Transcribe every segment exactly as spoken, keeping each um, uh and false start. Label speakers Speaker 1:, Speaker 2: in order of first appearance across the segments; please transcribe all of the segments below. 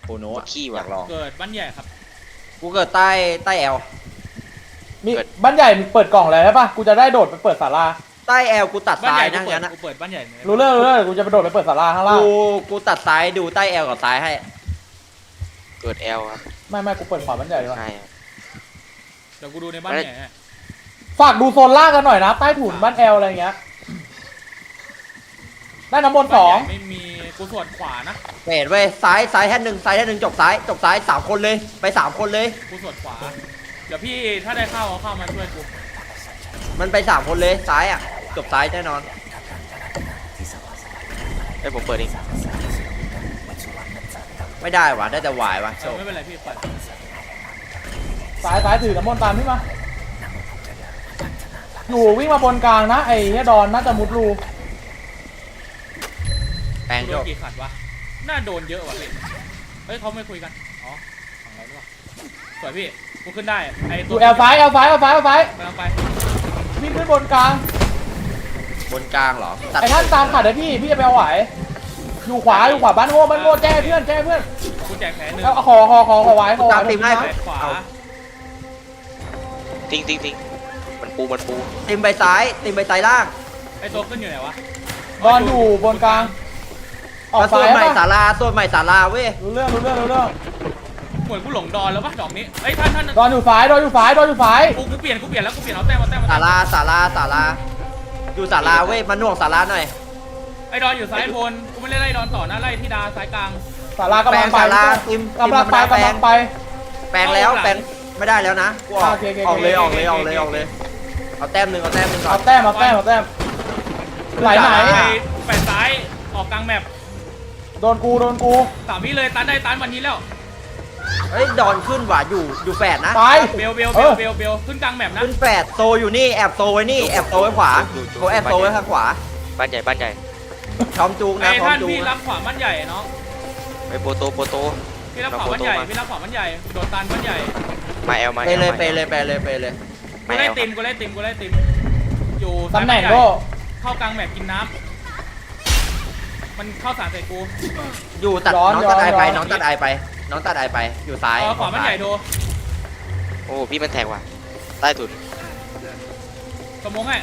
Speaker 1: โนะ
Speaker 2: ขี้
Speaker 1: อ
Speaker 2: ว่ะ
Speaker 1: ยากลอง
Speaker 3: เกิดบ้านใหญ่ครับ
Speaker 1: กูเกิดใต้ใต้แอล
Speaker 4: มีบ้านใหญ่มึงเปิดกล่องเลยใช่ปะกูจะได้โดดไปเปิดศาลา
Speaker 1: ใต้แอลกูตัด
Speaker 3: บ้าน
Speaker 1: ซ้า
Speaker 3: ให
Speaker 1: ย
Speaker 3: ญ่
Speaker 1: นะ
Speaker 3: กูเปิด
Speaker 1: งั้นนะ
Speaker 3: กูเปิดบ้านใหญ่
Speaker 4: รู้เรื่องรู้เรื่องกูจะไปโดดไปเปิดศาลาข้างล่าง
Speaker 1: กูกูตัดซ้ายดูใต้แอลกับซ้ายให้
Speaker 2: เกิดแอลครับ
Speaker 4: ไม่ไม่กูเปิดขวาบ้านใหญ่ดีกว่า
Speaker 2: ใช่ครับ
Speaker 3: เดี๋ยวกูดูในบ้านใหญ่ให้
Speaker 4: ฝากดูโซนล่างกันหน่อยนะใต้ถุนบ้านแอลอะไรเงี้ยได้น้ำบนสอง
Speaker 3: บ้านใหญ่ไม่มีกูสวดขวานะ
Speaker 1: เฟดเว้ยซ้ายซ้ายแท่นหนึ่งซ้ายแท่นหนึ่งจบซ้ายจบซ้ายสามคนเลยไปสามคนเลย
Speaker 3: กูสวดขวาเดี๋ยวพี่ถ้าได้เข้าเอาเข้ามาช่วยกู
Speaker 1: มันไปสามคนเลยซ้ายอ่ะจบซ้ายแน่นอน
Speaker 2: ไอ้ยผมเปิดเอง
Speaker 1: ไม่ได้ว่ะได้แต่วายวะ
Speaker 3: เออไม่เป็นไรพี่เปิด
Speaker 4: สายสายถือน้ำมนต์ตามพี่มาอยู่วิ่งมาบนกลางนะไอ้เฮียดอนน่าจะมุดรู
Speaker 1: แปลง
Speaker 3: โด
Speaker 1: จ
Speaker 3: น
Speaker 1: บ
Speaker 3: กี่ขัดวะน่าโดนเยอะว่ะพี่เฮ้ยเขาไม่คุยกันอ๋อฝั่งเราด้วยสวยพี่กูขึ้นได้ไอ้
Speaker 4: อ
Speaker 3: ตัว
Speaker 4: ยู่แอลซ้ายแอลซ้ายแอลซ้ายแอลซ้าย
Speaker 3: กำลังไป
Speaker 4: วิ่งขึ้นบนกลาง
Speaker 1: บนกลางเหรอตัด
Speaker 4: ไอ้ท่านตามขัดเลยพี่พี่จะไปเอาไหวอยู่ขวาอยู่ขวาบ้านโง่บ้านโง่แจ้เพื่อนแจ้เพื่อน
Speaker 3: กูแจกแผลหนึ่ง
Speaker 4: แล้วขอขอขอขอไหวขอไหว
Speaker 1: ตามทีมให้
Speaker 3: แผลขวา
Speaker 2: ทิ้งทิ้งทิ้งมันปูมันปู
Speaker 1: ติมไปซ้ายติมไปซ้ายล่าง
Speaker 3: ไอ้ตัวขึ้นอยู่ไหนวะ
Speaker 4: ดอนอยู่บนกลางออก
Speaker 1: มาส่
Speaker 4: ซ้า
Speaker 1: วย นใหม่
Speaker 4: ป่ะ
Speaker 1: ศาลาส่วนใหม่ศาลาเว้ย
Speaker 4: รู้เรื่องรู้เรื่องรู้เรื่อง
Speaker 3: เหมือนกูหลงดอนแล้วปะดอกนี้เอ้ยท่านท่าน
Speaker 4: ดอนอยู่ซ้ายดอนอยู่ซ้ายดอนอยู่ซ้าย
Speaker 3: กูกูเปลี่ยนกูเปลี่ยนแล้วกูเปลี่ยนเอาแต้มเอาแต้มเอา
Speaker 1: ศา
Speaker 3: แต้ม
Speaker 1: ลาศาลาศาลาอยู่ศาลาเว้ยมาหน่วงศาลาหน่อย
Speaker 3: ไอ้ดอนอยู่ซ้ายโพนกูไม่ได้ไล่ดอนต่อนะไล่ที่ดาซ้ายกลาง
Speaker 4: ศาลากำ
Speaker 1: แปล
Speaker 4: ลั
Speaker 1: ง
Speaker 4: งไป
Speaker 1: ศาลาติม
Speaker 4: กำลังไป
Speaker 1: ติมธรรมดาแปล
Speaker 4: กำลั
Speaker 1: ง
Speaker 4: งไป
Speaker 1: แปลงแล้วแปลงไม่ได้แล้วนะกูออก
Speaker 4: โอเคโอเค
Speaker 1: ออกเลย
Speaker 4: โอ
Speaker 1: อ
Speaker 4: เค
Speaker 1: อกเลยออกเลยออกเลยเอาแต้มหนึ่งเอาแต้มหนึ่งก่อ
Speaker 4: เอา
Speaker 1: น
Speaker 4: แต้มเอาแต้มเอาแต้มไหลไหน
Speaker 3: ไอ้แปดซ้ายออกกลางแมป
Speaker 4: โดนกูโดนกู
Speaker 3: สามวิเลยตันได้ตันวันนี้แล้ว
Speaker 1: เฮ้ยดอนขึ้นว่ะอยู่อยู่แฝดนะ
Speaker 4: ตาย
Speaker 3: เบลเบล
Speaker 4: เอ
Speaker 3: เบล
Speaker 4: อ
Speaker 3: เบลเบลขึ้นกลางแมปนะ
Speaker 1: ขึ้นแฝดโซอยู่นี่แอบโซไว้นี่แอบโซไว้ขวาเขาแอบโซไว้ข้างขวา
Speaker 2: บ้านใหญ่บ้านใหญ่
Speaker 1: พร้อมจูงนะ
Speaker 3: ไอ้
Speaker 1: พร้อม
Speaker 3: ท่าน
Speaker 1: จูง
Speaker 3: พี่รั
Speaker 1: นะ
Speaker 3: บขวาบ้านใหญ่เนาะ
Speaker 2: ไปโปโตโปโต
Speaker 3: พี่รับขวาบ้านใหญ่พี่รับขวาบ้านใหญ่โดนตันบ้านใหญ่
Speaker 2: มาแอลมา
Speaker 1: ไป
Speaker 2: แอล
Speaker 1: เลย
Speaker 2: มา
Speaker 1: ไป
Speaker 2: แอล
Speaker 1: เลยไปเลยไปเลย
Speaker 3: กูไล่ติมกูไล่ติมกูไล่ติมอยู่
Speaker 4: ตำแหน่ง
Speaker 3: ซ้าย
Speaker 4: โล
Speaker 3: บ้านใญ่เข้ากลางแมปกินน้ำมันเข้าสารใส่กู
Speaker 1: อยู่ตัด
Speaker 4: ย้อน
Speaker 1: น้องตัด
Speaker 4: ย้อน
Speaker 1: ไอไป
Speaker 4: ย้อน
Speaker 1: น้องตัดไอไป น้องตัดไอไปอยู่ซ้าย
Speaker 3: เออขวาบ้านใหญ่โด
Speaker 2: โอ้พี่มันแทงว่ะใต้ถุน
Speaker 3: สมองให้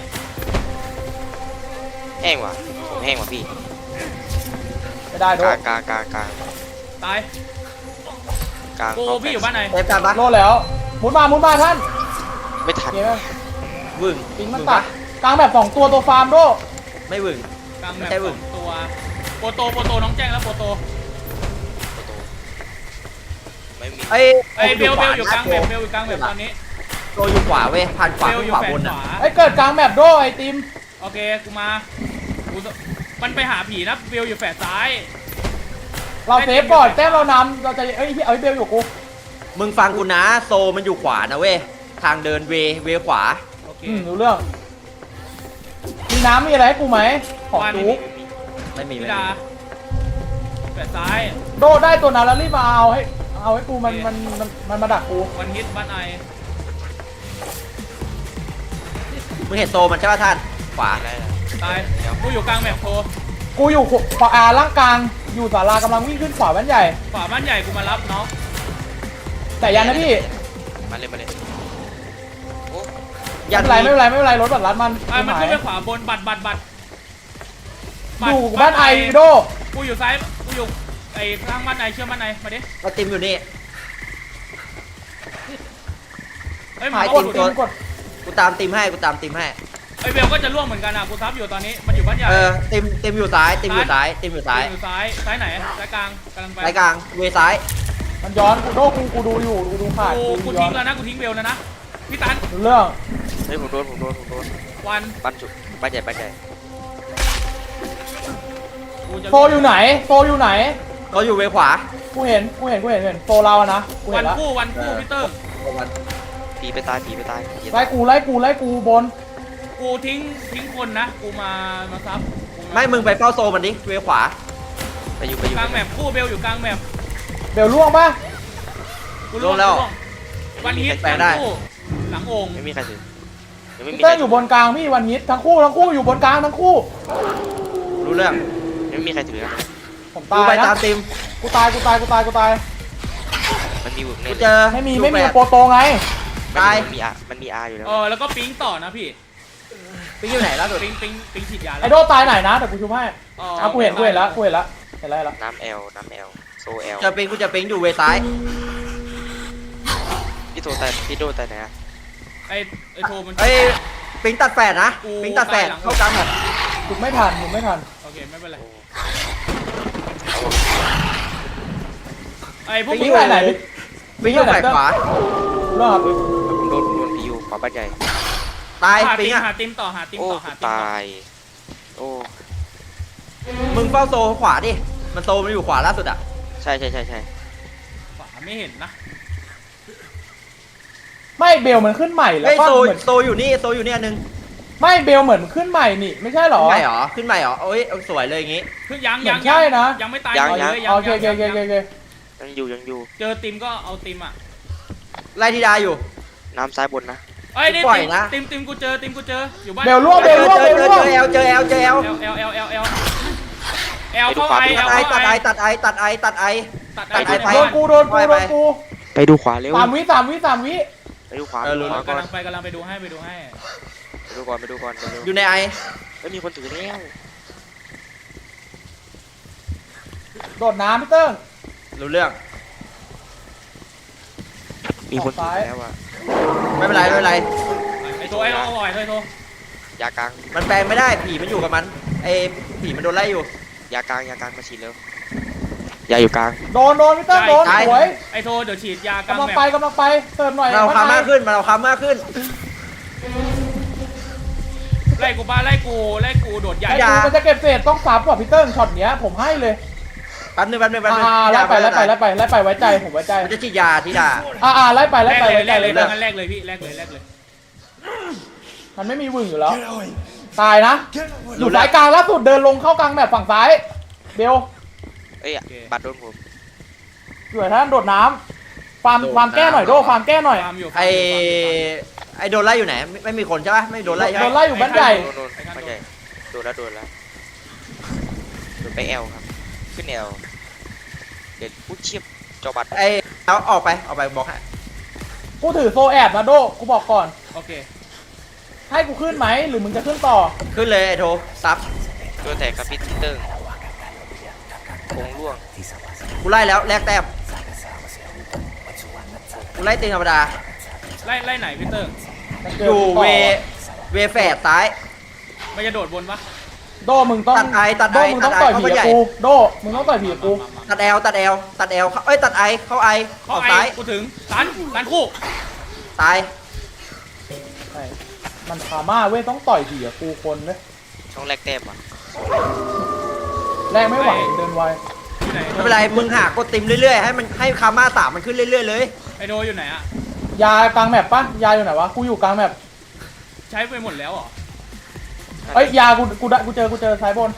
Speaker 2: แห้งว่ะผมแห้งว่ะพี่
Speaker 4: ไม่ได้โด
Speaker 2: ก
Speaker 4: น
Speaker 2: ลางกลางกลางกลาง
Speaker 3: ตาย
Speaker 2: กลาง
Speaker 3: กูพี่อยู่บ้านไหน
Speaker 1: เซฟกันปะ
Speaker 4: โดนแล้วหมุนมาหมุนมาท่าน
Speaker 2: ไม่ทัน
Speaker 4: เกม
Speaker 1: วึ่ง
Speaker 4: ปิงมัน
Speaker 1: วึ่
Speaker 4: ตัด
Speaker 1: ปะ
Speaker 4: กลางแบบสองตัวตัวฟาร์มโด
Speaker 1: ไม่วึ่ง
Speaker 3: กลางแมป
Speaker 1: ไม่ใช่
Speaker 3: ส
Speaker 1: บึ้
Speaker 3: อง งตัวโปโตโปโตน้องแจ้งแล้วโปโต
Speaker 2: โปโตไม่มี
Speaker 1: ไอ้
Speaker 3: ไอ้เบลเบลอยู่กลางแมป
Speaker 1: โ
Speaker 3: เบลอยู่กลางแมปตอนนี้
Speaker 1: โตอยู่ขวาเว้ยผ่านขวา
Speaker 3: เบล
Speaker 1: ขึ้
Speaker 3: อน ยู่
Speaker 1: ขวา
Speaker 3: แฝ
Speaker 1: บ
Speaker 3: ง
Speaker 1: น
Speaker 3: ข
Speaker 1: อ่ะ
Speaker 3: วา
Speaker 4: ไอ้เกิดกลางแบบโดไอ้ติม
Speaker 3: โอเคกูมากูสมันไปหาผีนะเบลอยู่แฝดซ้าย
Speaker 4: เราเซฟก่อนแต้มเรานำเราจะเอ้ยพี่เอาไอ้เบลอยู่กู
Speaker 1: มึงฟังกูนะโซมันอยู่ขวานะเว้ยทางเดินเวเวขวา
Speaker 3: โอเค
Speaker 4: อืมรู้เรื่องมีน้ำมีอะไรให้กูไหมของ
Speaker 3: วัน
Speaker 4: จุ๊ก
Speaker 1: ไม่มี
Speaker 3: พิ
Speaker 1: ไม่
Speaker 3: ดา
Speaker 1: มี
Speaker 3: แฝดซ้าย
Speaker 4: โดได้ตัวนั้นแล้วรีบมาเอาให้เอาให้กูมันมันมันมันมาดักกู
Speaker 3: วันฮิตบ้านไอ
Speaker 1: มึงเห็นโซมันใช่ป่ะท่านขวา
Speaker 2: ได้แล้ว
Speaker 3: ตายกูอยู่กลางแมปโทร
Speaker 4: กูอยู่ขวาอ่าล่างกลางอยู่ศาลากำลังวิ่งขึ้นขวาบ้านใหญ่
Speaker 3: ขวาบ้านใหญ่กูมารับน้อง
Speaker 4: แต่ยันนะพี่
Speaker 2: มาเลยมาเลยโอ้
Speaker 1: ยัน
Speaker 4: ไม่เป็นไรไม่เป็นไรไม่เป็นไรรถบัตรรัดมัน
Speaker 3: ไอ้มัน
Speaker 4: หา
Speaker 3: ขึ้
Speaker 4: ย
Speaker 3: นไปขวาบนบัตรบัตรบัตร
Speaker 4: อยู่บ้านไอโด
Speaker 3: กูอยู่ซ้ายกูอยู่ไอ้ข้างบ้านไอเชื่อบ้านไอมาดิ
Speaker 1: ไอติมอยู่นี่
Speaker 3: เอ้ย
Speaker 1: หาย
Speaker 3: มา
Speaker 4: ก
Speaker 3: ก
Speaker 4: ด
Speaker 3: ด
Speaker 1: ตัว
Speaker 4: กด
Speaker 1: กูตามติมให้กูตามติมให้
Speaker 3: ไอ้เบลก็จะล่วงเหมือนกันอ่ะกูซับอยู่ตอนนี้มันอยู่บ้านใหญ่
Speaker 1: เออติมติมอยู่ซ้ายติมอยู่ซ้ายติมอยู่ซ้าย
Speaker 3: อยู่ซ้ายซ้ายไหนซ้ายกลางกำลังไป
Speaker 1: ซ้ายกลางเวซ้าย
Speaker 4: มันย้อนกูโดกูกูดูอยู่กูดูขาด
Speaker 3: กู
Speaker 4: กู
Speaker 3: กู
Speaker 4: ย้อ
Speaker 3: ทิ้
Speaker 4: น
Speaker 3: งแล้วนะกูทิ้งเบลแล้วนะพี่ตัน
Speaker 4: รู้เรื่อง
Speaker 2: เฮ้ยผมโดนผมโดนผมโดน
Speaker 3: วัน
Speaker 2: บ้านจุดบ้านใหญ่บ้านใหญ่
Speaker 3: กูจะ
Speaker 4: โซอยู่ไหนโซอยู่ไหน
Speaker 1: เขาอยู่เวขวา
Speaker 4: กูเห็นกูเห็นกูเห็นเห็นโซเราอะนะกู
Speaker 3: วั
Speaker 4: เห็
Speaker 3: น
Speaker 4: นแล้ว
Speaker 3: คู่วันคู่พีเตอร์
Speaker 2: ผีไปตายผีไปตายผี
Speaker 4: ไล่กูไล่กูไล่กูบน
Speaker 3: กูทิ้งทิ้งคนนะกูมามาซับกูา
Speaker 1: ไม่มึงไปเฝ้าโซมันดิเวขวา
Speaker 2: ไปอยู่ไปอยู่
Speaker 3: กลางแมปคู่เบลอยู่กลางแมป
Speaker 4: เบลล่วงปะ
Speaker 3: กูล่วงกูล่วงวันฮิตวันคู่หลังโอ่ง
Speaker 2: ไม่มีใครถือยังไม่มี
Speaker 4: เต้นอยู่บนกลางพี่วันฮิตทั้งคู่ทั้งคู่อยู่บนกลางทั้งคู่
Speaker 1: รู้เรื่อง
Speaker 2: ยังไม่มีใครถือนะ
Speaker 4: ผม
Speaker 1: กู
Speaker 4: ตาย
Speaker 1: ไป
Speaker 4: นะ
Speaker 1: ตามติม
Speaker 4: กูตายกูตายกูตายกูตาย
Speaker 2: มีบุก
Speaker 1: กู
Speaker 2: เน่
Speaker 1: เจอ
Speaker 4: ไม่มี
Speaker 1: อยู่
Speaker 4: ไม่มี
Speaker 1: แปด
Speaker 4: โปรโตไง
Speaker 1: ตาย
Speaker 2: มันมีอามันมีอาอยู่แล้ว
Speaker 3: เออแล้วก็ปิ๊งต่อนะพี่
Speaker 1: ปิ๊งอยู่ไหนล่าสุด
Speaker 3: ปิ๊งปิ๊งปิ๊งฉีดยา
Speaker 4: ไอโดตายไหนนะแต่กูชุบให้
Speaker 3: อ๋อ
Speaker 4: อ่ะกูเห็นกูเห็นแล้วกูเห็นแล้วเห็นแล้วเห็นแล้ว
Speaker 2: น้ำแอลน้ำแอลโซแอล
Speaker 1: เจอปิ๊งกูเจอปิ๊งอยู่เวซ้าย
Speaker 2: พี่โทรแต่พี่โดแต่ไหนอะ
Speaker 3: ไอไอโทรมัน
Speaker 1: เอ้ยปิ๊งตัดแฝดนะ
Speaker 3: กู
Speaker 1: ปิ๊งตัดแฝด
Speaker 3: ตายหลัง
Speaker 1: เข้ากลางหมด
Speaker 4: ชุบไม่ทันชุบไม่ทัน
Speaker 3: โอเคไม่เป็นไร
Speaker 2: โอ้
Speaker 3: ไอพวก
Speaker 1: ปิ๊
Speaker 3: มึ
Speaker 1: ง
Speaker 3: ง
Speaker 1: อยู่
Speaker 4: ไหน
Speaker 1: ปิ๊งอยู่แฝดขวา
Speaker 4: เรื่องครับ
Speaker 2: ผมโดนผมโดนพียูขอบ้านใหญ่
Speaker 1: ตาย
Speaker 3: หา
Speaker 1: ปิ๊
Speaker 3: ติ
Speaker 1: ง
Speaker 3: ม
Speaker 1: อ่ะ
Speaker 3: หาติมต่อหาติม
Speaker 2: โอ้
Speaker 3: ต่อหาติมต่อ
Speaker 2: ตายโอ้
Speaker 1: มึงเฝ้าโซขวาดิมันโซมันอยู่ขวาล่าสุดอ่ะ
Speaker 2: ใช่ใช่ใช่ใช่
Speaker 3: ขวาไม่เห็นนะ
Speaker 4: ไม่เบลมันขึ้นใหม่แล้ว
Speaker 1: เฮ้ย
Speaker 4: ก็
Speaker 1: โซ
Speaker 4: เหมือน
Speaker 1: โซอยู่นี่โซอยู่นี่อันนึง
Speaker 4: ไม่เบลเหมือนขึ้นใหม่นี่ไม่ใช่หรอ
Speaker 1: ขึ้นใหม่เหรอขึ้นใหม่เหรอโอ้ยเอาสวยเลยอย่างงี้
Speaker 3: คือยัง
Speaker 4: เหมื
Speaker 3: ยั
Speaker 4: อง นใช่นะ
Speaker 3: ยังไม่ตาย
Speaker 2: ยัง
Speaker 3: หมด
Speaker 2: ยัง
Speaker 3: เลย
Speaker 4: โอเคโอเคโอเค
Speaker 3: ยัง
Speaker 4: โอเค
Speaker 2: ยังอยู่ยังอยู่
Speaker 3: เจอติมก็เอาติมอ่ะ
Speaker 1: ไล่ทีดาอยู่
Speaker 2: น้ำซ้ายบนนะ
Speaker 3: เอ้ยนี่
Speaker 1: ปล่อย
Speaker 3: ติม
Speaker 1: นะ
Speaker 3: ติมติมกูเจอติมกูเจออยู่บ้าน
Speaker 4: เบลล่วง
Speaker 1: เจ
Speaker 4: เบล
Speaker 1: อ
Speaker 4: ล่วง
Speaker 1: เจอ
Speaker 4: เบล
Speaker 1: เจอ
Speaker 4: ล่วง
Speaker 1: เจอเอลเจอเอลเจอเอล
Speaker 3: เอลเอลเอลเอลเอลเอลเข้าไอเอ
Speaker 1: ตัด
Speaker 3: ล
Speaker 1: ไอ
Speaker 3: เข้า
Speaker 1: ตัด
Speaker 3: ไอ
Speaker 1: ไอตัดไอตัดไอตัดไอ
Speaker 3: ตัด
Speaker 1: ตั
Speaker 3: ไอ
Speaker 1: ดไอ้ไป
Speaker 4: โดนกูโดนกูโดนกู
Speaker 2: ไปดูขวาเร็ว
Speaker 4: สามวิสามวิสามวิ
Speaker 2: ไปดูขวา
Speaker 1: เออรู้
Speaker 2: ขวาก่อก
Speaker 3: ำ
Speaker 2: น
Speaker 3: ลังไปกำลังไปดูให้ไปดูให้
Speaker 2: ไปดูก่อนไปดูก่อนเร็ว
Speaker 1: อยู่ในไอ
Speaker 2: ไม่มีคนถือแล้ว
Speaker 4: โดดน้ำพี่เติ้ง
Speaker 1: รู้เรื่อง
Speaker 2: มีคนถือแล้วอะ
Speaker 1: ไม่เป็นไรไม่เป็นไร
Speaker 3: ไอโทไอโทเอาไอโทไอโท
Speaker 2: ยากลาง
Speaker 1: มันแปลงไม่ได้ผีมันอยู่กับมันไอผีมันโดนไล่อยู่
Speaker 2: ยากลางยากลางมาฉีดเร็วยาอยู่กลาง
Speaker 4: โดนโดนพี่เติ้งโดน
Speaker 1: ตาย
Speaker 4: สวย
Speaker 3: ไอโทเดี๋ยวฉีดยากลาง
Speaker 4: กำลัง
Speaker 3: แม
Speaker 4: ไป
Speaker 3: ป
Speaker 4: กำลังไปเติมหน่อย
Speaker 1: มันเอาคามมากขึ้นมันเอาคามมากขึ้น
Speaker 3: ไล่กูบ้าไล่กูไล่กูโดดใหญ่
Speaker 4: ไอ้กูมันจะเก็บเศษต้องซับกว่าพี่เติ้งช็อตเนี้ยผมให้เลย
Speaker 1: แป๊บนึงแป๊บนึงแป๊บนึง
Speaker 4: อ่าไล่ไปไล่ไปไล่ไปไล่ไปไว้ใจผมไว้ใจ
Speaker 1: มันจะฉีดยาทีดา
Speaker 4: อ่าอ่าไล่ไปไล่
Speaker 3: แรก
Speaker 4: ไป
Speaker 3: เลย
Speaker 4: ไว้
Speaker 3: แร
Speaker 4: ใจ
Speaker 3: ก
Speaker 4: เล
Speaker 3: เลย
Speaker 4: ย
Speaker 3: งั้นแรกเลยพี่แรกเลยแรกเลย
Speaker 4: มันไม่มีวึงอยู่แล้ว ตายนะอยู่สายกลางล่าสุดเดินลงเข้ากลางแบบฝั่งซ้ายเบล
Speaker 2: เอ้ยบัตรโดนผม
Speaker 4: อยู่ท่านโดดน้ำฟาร์มฟาร์มแก้หน่อยโดฟาร์มแก้หน่อย
Speaker 3: ฟาร์มอยู่
Speaker 1: ไอไอโดนไล่อยู่ไหนไม่ไม่มีคนใช่ปะไม่โดนไล่ใช่
Speaker 4: โด
Speaker 1: ปะ
Speaker 4: นไล่อยู่บ้านใหญ่
Speaker 2: โดนโดนบ้านใหญ่โดนแล้วโดนแล้วโดนไปแอลครับขึ้นแอลเด็ดผู้เชียบจอบัตร
Speaker 1: ไอเอาออกไปออกไปบอกให้
Speaker 4: กูถือโซแอบนะโดกูบอกก่อน
Speaker 3: โอเค
Speaker 4: ให้กูขึ้นไหมหรือมึงจะขึ้นต่อ
Speaker 1: ขึ้นเลยไอโทซับ
Speaker 2: โดนแตกครับพี่เติ้งคงร่วง
Speaker 1: กูไล่แล้วแลกแต้มกูไล่ตีธรรมดา
Speaker 3: ไล่ไล่ไหนพี่เติ้ง
Speaker 4: มัน
Speaker 1: อ
Speaker 4: เจ
Speaker 1: ยู่
Speaker 4: กูต่
Speaker 1: เวเวแฝดซ้าย
Speaker 3: มันจะโดดบนปะ
Speaker 4: โดมึงต้อง
Speaker 1: ตัดไอตัด
Speaker 4: โด
Speaker 1: ไอ
Speaker 4: มึง
Speaker 1: ตั
Speaker 4: ต้อ
Speaker 1: ด
Speaker 4: ง
Speaker 1: ไอ
Speaker 4: ต่อย
Speaker 1: เข้า
Speaker 4: ผี
Speaker 1: ไปให
Speaker 4: กับ
Speaker 1: ญ่
Speaker 4: กูโดมึงต้องต่อยผีกับกู
Speaker 1: ตัดแอลตัดแอลตัดแอลเข้าเอ้ยตัดไอเข้าไออ
Speaker 3: เข้า
Speaker 1: อก
Speaker 3: ไอ
Speaker 1: ซ้าย
Speaker 3: กูถึงตันตันคู่
Speaker 1: ตาย
Speaker 4: ใช่มันพาม่าเว้ยต้องต่อยผีกับกูคนเลย
Speaker 2: ช่องแรกแต้มอ่ะ
Speaker 4: แรงไม่ไหวเดินไว
Speaker 3: อยู่ไหน
Speaker 1: ไม่เป็นไรมึงหากดติมเรื่อยๆให้มันให้คาม่าสามมันขึ้นเรื่อยๆเลย
Speaker 3: ไอโดอยู่ไหนอะ
Speaker 4: ยากลางแมปปะยาอยู่ไหนวะกูอยู่กลางแมป
Speaker 3: ใช้ไปหมดแล้วเหรอ
Speaker 4: เอ้ยยากูกูได้กูเจอกูเจอซ้ายบน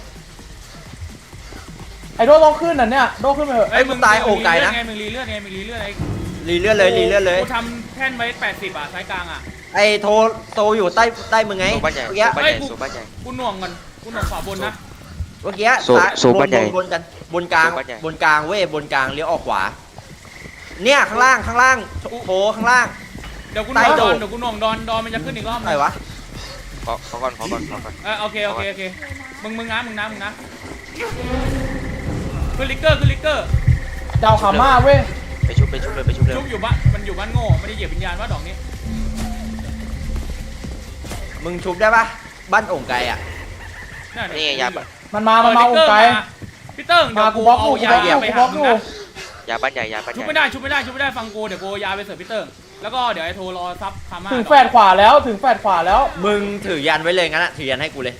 Speaker 4: ไอ้โดต้องขึ้นน่ะเนี่ยโดขึ้นไปเถอะ
Speaker 1: ไอ้ยมึงตายโอกไก่นะ
Speaker 3: ไงมึงรีเลือดไงมึงรีเลือดไง
Speaker 1: รีเลื่อนเลยรีเลื่อนเลย
Speaker 3: กูทำแท่นไว้แปดสิบอ่ะซ้ายกลางอ่ะ
Speaker 1: ไอโทโตอยู่ใต้ใต้มึงไง
Speaker 2: โซบ้านใหญ่
Speaker 1: เมื่อกี้
Speaker 2: โซบ้านใหญ่โซบ้านใหญ่
Speaker 3: กูหน่วงก่อนกูหน่วงขวาบนนะ
Speaker 1: เมื่อกี้
Speaker 2: โซ
Speaker 1: ซ้าย
Speaker 2: โซบ้านใหญ่
Speaker 1: บนกันบนกลาง
Speaker 2: โซบ้านใหญ่
Speaker 1: บนกลางเว้ยบนกลางเลี้ยวออกขวา เนี่ยข้างล่างข้างล่างโถข้างล่าง
Speaker 3: เดี๋ยวกูหน่วง
Speaker 1: ใต้
Speaker 3: ด
Speaker 1: โด
Speaker 3: อน
Speaker 1: ด
Speaker 3: เดี๋ยวกูหน่วงดอนดอนมันจะขึ้นอีกรอบนึ
Speaker 1: อะไร
Speaker 3: ง
Speaker 1: วะ
Speaker 2: ขอขอก่อนขอก่อนขอก่อน
Speaker 3: เออโอเคโอเคโอเคมึงมึงนะมึงนะมึงนะขึ้นลิกเกอร์ขึ้นลิกเกอร์
Speaker 4: เจ้าขาม่าเว้ย
Speaker 2: ไปชุบไปชุบเลยไปชุบเลย
Speaker 3: ชุบอยู่บ้านมันอยู่บ้านโง่ไม่ได้เหยียบวิญญาณว่าดอกนี้
Speaker 1: มึงชุบได้ปะบ้านโอ่งไก่อ่ะ
Speaker 2: นี่ไงยาบัตร
Speaker 4: มันมามันมาองค์ไกล
Speaker 3: พี่เติ้งเดี๋ยว
Speaker 4: มากู
Speaker 3: กู
Speaker 4: บล็อก
Speaker 3: เอา
Speaker 4: กู
Speaker 3: ยา
Speaker 4: บล็อกอยู่
Speaker 3: ไป
Speaker 4: กู
Speaker 3: หา
Speaker 4: บล็อก
Speaker 3: มึ
Speaker 4: อง ยู่
Speaker 3: นะ
Speaker 2: ยาบ้านใหญ่ยาบ้านให
Speaker 3: ชุบ
Speaker 2: ญ่
Speaker 3: ไม่ได้ชุบไม่ได้ชุบไม่ได้ฟังกูเดี๋ยวกูเอายาไปเสิร์ฟพี่เติ้งแล้วก็เดี๋ยวไอ้โทรรอซับคาม่า
Speaker 4: ถึงแฟดขวาแล้วถึงแฟดขวาแล้ว
Speaker 1: มึงถือยันไว้เลยงั้นอะถือยันให้กูเลย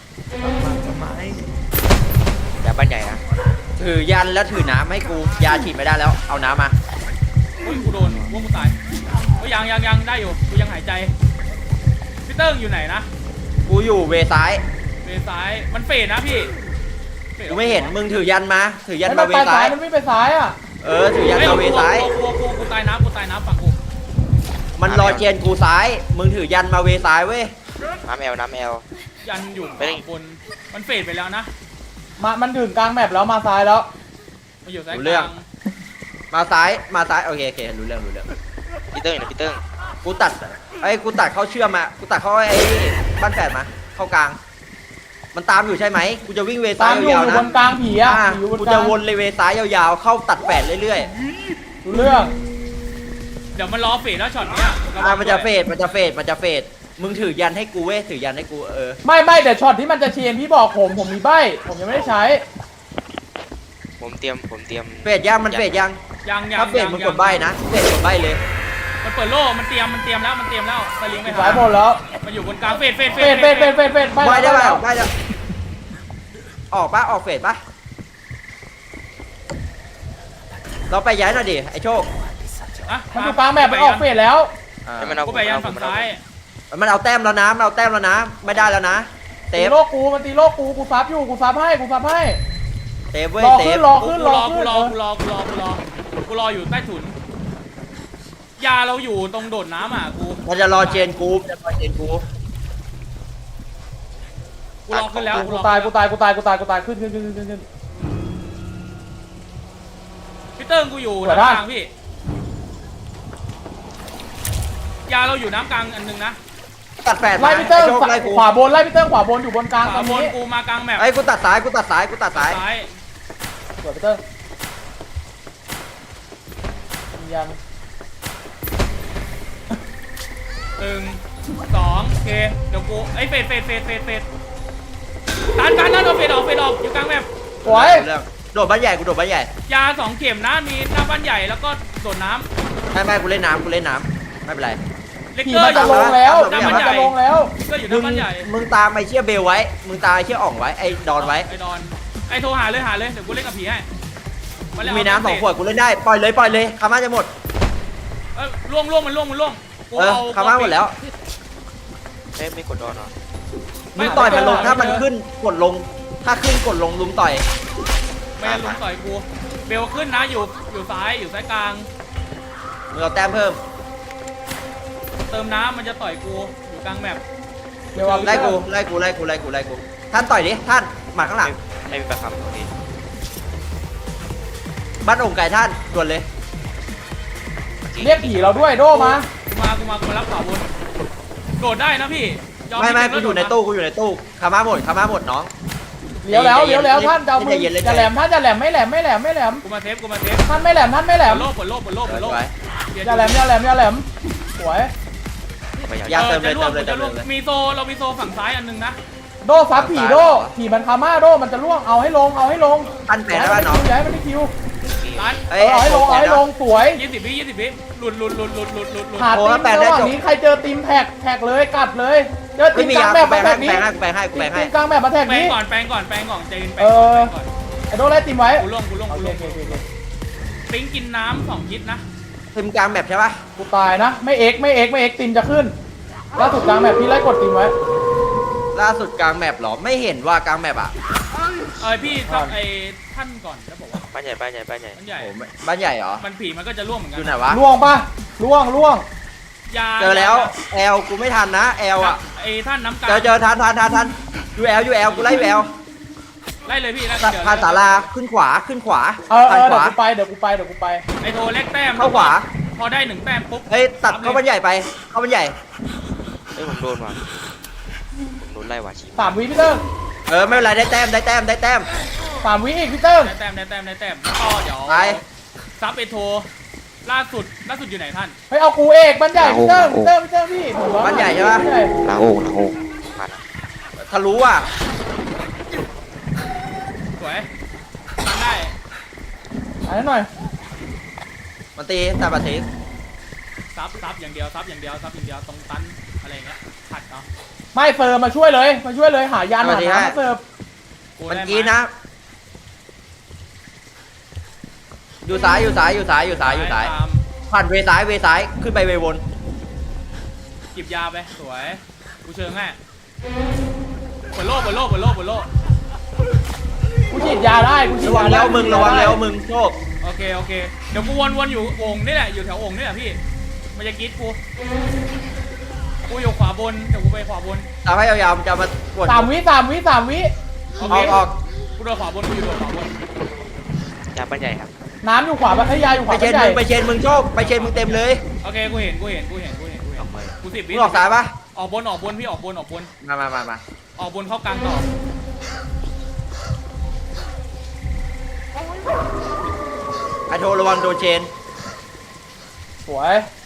Speaker 2: ยาบ้านใหญ่นะ
Speaker 1: ถือยันแล้วถือน้ำให้กูยาฉีดไม่ได้แล้วเอาน้ำมา
Speaker 3: อุ้ยกูโดนว่ากูตายเฮ้ยยังยังยังได้อยู่กูยังหายใจพี่เติ้งอยู่ไหนนะ
Speaker 1: กูอยู่เวซ้าย
Speaker 3: เวซ้ายมันเฟดนะพี่ฟด
Speaker 1: กูไม่เห็นมึงถือยันมา ถือยัน
Speaker 4: ไอ้
Speaker 1: มา
Speaker 4: มัน
Speaker 1: เว
Speaker 4: ไป
Speaker 1: ซ้า
Speaker 4: ซ้าย
Speaker 1: ย
Speaker 4: มันไม่ไปซ้ายอ่ะ
Speaker 1: เออถือยัน
Speaker 3: เฮ้ย
Speaker 1: มาเวซ้าย
Speaker 3: กูกูกูกูตายน้ำกูตายน้ำฝั่งกู
Speaker 1: มันรอเจนกูซ้าย มึงถือยันมาเวซ้ายเว้ย
Speaker 2: น้ำแอลน้ำแอล
Speaker 3: ยันอยู่
Speaker 2: ไม่ได้
Speaker 3: ขวาบนมันเฟดไปแล้วนะ
Speaker 4: มามันถึงกลางแมปแล้วมาซ้ายแล้ว
Speaker 3: มาอยู่ซ้าย
Speaker 1: รู้
Speaker 3: ก
Speaker 1: เรื่อง
Speaker 3: ลาง
Speaker 1: มาซ้ายมาซ้ายโอเคโอเครู้เรื่องรู้เรื่อง
Speaker 2: พี่เติ้งอยู่นะพี่เติ้ง
Speaker 1: กูตัดไอ้ยกูตัดเข้าเชื่อมมากูตัดเข้าไอ้บ้านแฝดมาเข้ากลาง มันตามอยู่ใช่ไหมกูจะวิ่งเว
Speaker 4: ตา
Speaker 1: ซ้าย
Speaker 4: มอยู่
Speaker 1: ยาว
Speaker 4: อยู่
Speaker 1: ๆ
Speaker 4: บ
Speaker 1: นะ
Speaker 4: นกลางผีอ่ะ
Speaker 1: อ่า
Speaker 4: อยู่บน
Speaker 1: กู
Speaker 4: กลา
Speaker 1: จะ
Speaker 4: ง
Speaker 1: วนเลยเวซ้ายยาวๆ เข้าตัดแฝดเรื่อย
Speaker 4: รู้เรื่อง
Speaker 3: เดี๋ยวมันรอเฟดแล้วช็อตเนี้ย
Speaker 1: ๆ
Speaker 3: ระวั
Speaker 1: อ่าง มันจะ
Speaker 3: ด้วย
Speaker 1: เฟดมันจะเฟดมันจะเฟดมึงถือยันให้กูเว้ยถือยันให้กูเออ
Speaker 4: ไม่ไม่แต่ช็อตที่มันจะเชนพี่บอกผมผมมีใบผมยังไม่ได้ใช้
Speaker 2: ผมเตรียมผมเตรียม
Speaker 1: เฟดยังมันเฟดยัง
Speaker 3: ยังยัง
Speaker 1: ถ้าเฟด
Speaker 3: ยัง
Speaker 1: มึง
Speaker 3: ยั
Speaker 1: กดใบนะเฟดกดใบเลย
Speaker 3: มันเปิดโล่มันเตรียมมันเตรียมแล้วมันเตรียมแล้วสลิงไป
Speaker 4: สา
Speaker 3: หาย
Speaker 4: หมดแล้ว
Speaker 3: มันอยู่บนกลางเฟดเฟด
Speaker 4: เฟดเฟดเฟดเฟดเฟด
Speaker 1: ใบได้
Speaker 4: แล้
Speaker 1: ป่ะ
Speaker 4: ว
Speaker 1: ใบได้ออกปะออกเฟดปะเราไปย้ายหน่อยดิไอ้โชค
Speaker 3: อ่ะ
Speaker 4: มันอยู่กลางแมปมันออกเฟดแล้ว
Speaker 1: อ่า
Speaker 2: ให้มันเอา
Speaker 3: กูไปยันฝั่งซ้าย
Speaker 1: มันเอาแต้มแล้วนะมันเอาแต้มแล้วนะ ไม่ได้แล้วนะเต
Speaker 4: ตี
Speaker 1: ฟ
Speaker 4: โลกกูมันตีโลกกูกูซับอยู่กูซับให้กูซับให้
Speaker 1: เตฟเว้ย
Speaker 4: รอ
Speaker 1: เต
Speaker 4: ขึ้
Speaker 1: ฟ
Speaker 4: นรอ
Speaker 3: กู
Speaker 4: ขึ้น
Speaker 3: ร
Speaker 4: ร
Speaker 3: อ
Speaker 4: อ
Speaker 3: กู
Speaker 4: ขึ้น
Speaker 3: ร
Speaker 4: เอ
Speaker 3: อ
Speaker 4: อ
Speaker 3: กูรอกูรอกูรอกูรออยู่ใต้ถุนยาเราอยู่ตรงโดดน้ำอ่ะกู
Speaker 1: มันจะรอเจนกูจะรอเจนกู
Speaker 3: กูรอขึ้นแล้ว
Speaker 4: กู
Speaker 3: รอ
Speaker 4: ตายกูตายกูตายกูตายกูตายขึ้นขึ้นขึ้นขึ้นขึ้น
Speaker 3: พี่เติ้งกูอยู่
Speaker 4: สวย
Speaker 3: น้ำ
Speaker 4: มาก
Speaker 3: กลางพี่ยาเราอยู่น้ำกลางอันหนึงนะ
Speaker 1: ตัดแปด
Speaker 4: ไล่พี่เติ้ง
Speaker 1: โชคไล่กู
Speaker 4: ขวาบนไล่พี่เติ้งขวาบนอยู่บนกลาง
Speaker 3: ข
Speaker 4: ตร
Speaker 3: วาง บน
Speaker 4: นี้
Speaker 3: กูมากลางแมป
Speaker 1: ไอ้ยกูตัดซ้ายกูตัดซ้ายกูตัดซ้าย
Speaker 3: ซ้าย
Speaker 4: สวยพี่เติ้งยัน
Speaker 3: หนึ่งสองโอเคเดี๋ยวกูไอ้ยเฟดเฟดเฟดเฟดเฟดการการนั่นเอาเฟดออกเฟดออกอยู่กลางแมป
Speaker 4: สวย
Speaker 1: เรื่องโดดบ้านใหญ่กูโดดบ้านใหญ่
Speaker 3: ยาสองเข็มนะมีหน้าบ้านใหญ่แล้วก็โดดน้
Speaker 1: ไม่ไม่กูเล่นน้ำกูเล่นน้ำไม่เป็นไร
Speaker 3: ำเลก
Speaker 4: ผี
Speaker 3: เกอ
Speaker 4: มัน
Speaker 3: ร์อ
Speaker 4: จะ
Speaker 3: ยู่
Speaker 4: ลงแล้ว
Speaker 3: หน้า
Speaker 4: ผี
Speaker 3: บ้าน
Speaker 4: มัน
Speaker 3: ใหญ่
Speaker 4: จะลงแล้ว
Speaker 3: ก็อยู่ห
Speaker 1: มึ
Speaker 3: น้าง บ้านใหญ่
Speaker 1: มึงตามไอ้เชี่ยเบลไว้ มึงตามไอ้เชี่ยอ่องไว้ไอ้ดอนไว้
Speaker 3: ไอ้ดอนไอ้โทรหาเลยหาเลยเดี๋ยวกูเล่นกับผีให้าเลย
Speaker 1: มีน้ำสองขวดกูเล่นได้ปล่อยเลยปล่อยเลยคาม่าจะหมด
Speaker 3: เอ้ยล่วงล่วงมันล่วงมันล่วงกู
Speaker 1: เออ
Speaker 3: เอา
Speaker 1: คาม่าหมดแล้ว
Speaker 2: ไม่ไม่กดดอนเหรอ
Speaker 1: มึงต่อยมันลงถ้ามันขึ้นกดลง ถ้าขึ้นกดลงลุมต่อย
Speaker 3: ไม่งั้นลุมต่อยกูเบลขึ้นนะอยู่อยู่ซ้ายอยู่ซ้ายกลาง
Speaker 1: มึงเอาแต้มเพิ่ม
Speaker 3: เติมน้ำมันจะต่อยกูอยู่กลางแมป
Speaker 4: เดี๋ยวเอา
Speaker 1: ไล่กูไล่กูไล่กูไล่กูไล่กูท่านต่อยดิท่านหมาข้างหลัง
Speaker 2: ไม่มีประคำตรงนี้
Speaker 1: บ้านองค์ไก่ท่านด่วนเลย
Speaker 4: เรียกผีเราด้วยโดมา
Speaker 3: กูมากูมากูมารับข่าวบนโดดได้นะพี่ยอ
Speaker 1: ไม่ไม่
Speaker 3: พี่
Speaker 1: กู
Speaker 3: เบล
Speaker 1: อยู่ใน
Speaker 3: โดดะ
Speaker 1: ตู้กูอยู่ในตู้คาม่าหมดคาม่าหมดน้อง
Speaker 4: เลี้ยวแล้วเลี้ยวแล้วท่านจะเอามือ
Speaker 1: ใจเย็นเลย
Speaker 4: จะแหลมท่านจะแหลมไม่แหลมไม่แหลมไม่แหลม
Speaker 3: กูมาเซฟกูมาเซฟ
Speaker 4: ท่านไม่แหลมท่านไม่แหล
Speaker 3: เปิ
Speaker 4: ม
Speaker 3: ดโลกเปิดโลกเปิดโลกเปิดโลก
Speaker 1: ไว้
Speaker 4: อย่าแหลมอย่าแหลมอย่าแหลมสวย
Speaker 2: ไม่อยาก
Speaker 1: ยา
Speaker 3: เอ
Speaker 1: เติ
Speaker 3: อ
Speaker 1: มเลย
Speaker 3: จะล่วง
Speaker 1: เติมเลย
Speaker 3: จะล่วง
Speaker 1: เติมเลย
Speaker 3: มีโซเรามีโซฝั่งซ้ายอันหนึงนะ
Speaker 4: โดซับผีโดผีมันคาม่าโดมันจะล่วงเอาให้ลงเอาให้ลง
Speaker 1: ท่านแปดได้ป่ะน้อง
Speaker 4: ย้ายมันไม่คิว
Speaker 3: ร้าน
Speaker 1: เอ้
Speaker 4: เอาให้ลงเอาให้ลงสวย
Speaker 3: ยี่สิบวิยี่สิบวิหลุดหลุดหลุดหลุดหลุดหลุดหลุด
Speaker 4: หา
Speaker 1: โอ้
Speaker 4: ตี
Speaker 1: แล้ว
Speaker 4: ม
Speaker 1: แปด
Speaker 4: ระ
Speaker 1: ได้
Speaker 4: หว่าง
Speaker 1: จบ
Speaker 4: นี้ใครเจอตีมแท็กแท็กเลยกัดเลยเจอตี
Speaker 1: ไม่
Speaker 4: ม
Speaker 1: มี
Speaker 4: กลาง
Speaker 1: ยา
Speaker 4: แบบ
Speaker 1: แปล
Speaker 4: มาง แท็
Speaker 1: ให้
Speaker 4: ก
Speaker 1: กู
Speaker 4: นี้
Speaker 1: แปลงให้กูแปลงให้กู
Speaker 4: ตี
Speaker 1: แปลง
Speaker 4: ม
Speaker 1: ให้
Speaker 4: กลางแบบมาแท็ก
Speaker 3: แปลง
Speaker 4: นี้
Speaker 3: ก่อนแปลงก่อนแปลงก่อนใจเย็นแปล
Speaker 4: เอง
Speaker 3: ก่อน
Speaker 4: อ
Speaker 3: แปลงก่อน
Speaker 4: ไอโดไล่ตีมไว้
Speaker 3: กูล่วงกูล่วง
Speaker 4: โอ
Speaker 3: กู
Speaker 4: เค
Speaker 3: ล่วง
Speaker 4: โอเคโอเคโอเค
Speaker 3: ปิ้งกินน้ำสองยิดนะ
Speaker 1: ทีมกลางแบบใช่ป่ะ
Speaker 4: กูตายนะไม่เอ็กไม่เอ็กไม่เอ็กตีมจะขึ้นล่าสุดกลางแบบพี่ไล่กดตีมไว้
Speaker 1: ล่าสุดกลางแมปเหรอไม่เห็นว่ากลางแมปอ่ะ
Speaker 3: เอ้ยพี่ทักไอ้ท่านก่อนแล้วบอกว่า
Speaker 2: บ้านใหญ่บ้านใหญ่บ้านใหญ่
Speaker 3: มันใหญ่
Speaker 1: โอ้ไม่บ้านใหญ่เหรอ
Speaker 3: มันผีมันก็จะร่วงเหมือนกั
Speaker 1: อยู่ไหนวะ
Speaker 4: ล่วงปะล่วงล่วง
Speaker 3: ยา
Speaker 1: เจอแล้วแอลกูไม่ทันนะแอลอ่ะ
Speaker 3: ไอ้ท่านน้ำกลา
Speaker 1: เจอเจอทันทันทันทันยูแอลยูแอลกูไล่ยูแอล
Speaker 3: ไล่เลยพี่ไล่
Speaker 1: ผ่านศาลาขึ้นขวาขึ้นขวา
Speaker 4: เออเอ
Speaker 1: ผ่าน
Speaker 4: อ
Speaker 1: ข
Speaker 4: เดี๋ยว
Speaker 1: วา
Speaker 4: กูไปเดี๋ยวกูไปเดี๋ยวกูไป
Speaker 3: ไอ้โทรเล็กแต้ม
Speaker 1: เข้าขวา
Speaker 3: พอได้หนึ่งแต้มปุ๊บ
Speaker 1: เฮ้ยตัดเข้าบ้านใหญ่ไปเข้าบ้านใหญ่
Speaker 2: เอ้ยผมโดนว่ะผมโดนไล่ว่ะชี
Speaker 4: สามวิพี่เติ้ง
Speaker 1: เออไม่เป็นไรได้แต้มได้แต้มได้แต้ม
Speaker 4: สามวิอีกพี่เติ้ง
Speaker 3: ได้แต้มได้แต้มได้แต้มแล้วก็เดี๋ยว
Speaker 1: ไป
Speaker 3: ซับไอ้โทรล่าสุดล่าสุดอยู่ไหนท่าน
Speaker 4: เฮ้ยเอากูเอกบ้านใหญ่พี่เติ้งพี่เติ้งพี่เติ้งพี่ผมว่า
Speaker 1: บ้านใหญ่ใช่ปะ
Speaker 4: บ้านใหญ่
Speaker 2: ลาโอ่งลาโอ่งมาละ
Speaker 1: ทะลุอ่ะ
Speaker 3: สวยทำได้
Speaker 4: อันนั้นหน่อย
Speaker 1: มันตีแต่บัตรที
Speaker 3: ซับซับอย่างเดียวซับอย่างเดียวซับอย่างเดียวตรงตันอะไรอย่างเงี้ยขัดเนาะ
Speaker 4: ไม่เฟิร์มมาช่วยเลยมาช่วยเลยหายานหาน้ำมาเสิร์ฟ
Speaker 3: กู
Speaker 1: มัน
Speaker 3: ได้
Speaker 1: กี้นะ อยู่ซ้ายอยู่ซ้ายอยู่ซ้ายอยู่ซ้ายอยู่ซ้าย
Speaker 3: ตาม
Speaker 1: ผ่านเวซ้ายเวซ้ายขึ้นไปเววน
Speaker 3: จิบยาไปสวยกูเชิงแม่เปิดโลกเปิดโลกเปิดโลกเปิดโลก
Speaker 4: กูฉีดยาได้กูฉีด
Speaker 1: ระวัง
Speaker 4: ยาได้
Speaker 1: แล้วมึงระวังแล้วมึงโชค
Speaker 3: โอเคโอเคเดี๋ยวกูวนวนอยู่โอ่งนี่แหละอยู่แถวโอ่งนี่แหละพี่มันจะกรีดกูกูอยู่ขวาบนเดี๋ยวกูไปขวาบน
Speaker 1: ตามให้ยาวๆมันจะมากด
Speaker 4: สามวิสามวิสามวิ
Speaker 3: โอ
Speaker 1: อ
Speaker 3: เค
Speaker 1: อกออก
Speaker 3: กูโดนขวาบนกูอยู่โดนขวาบน
Speaker 2: ยาบ้านใหญ่ครับ
Speaker 4: น้ำอยู่ขวาไอ้ยยาอยู่ข
Speaker 1: ไป
Speaker 4: วา
Speaker 1: เช
Speaker 4: เป็น
Speaker 1: น
Speaker 4: ใหญ่
Speaker 1: มึงไปเชนมึงโชคไปเชนมึงเต็มเลย
Speaker 3: โอเคกูเห็นกูเห็นกูเห็นกูเห็นกูเห็น
Speaker 2: ทำไม
Speaker 3: กูสิบ
Speaker 1: มึ
Speaker 3: วิ
Speaker 1: งออกซ้ายปะ
Speaker 3: ออกบนออกบนพี่ออกบนออกบน
Speaker 1: มามามามา
Speaker 3: ออกบนเข้ากลางต่อ
Speaker 1: ไอโทรระวังโดนเชน
Speaker 4: สวย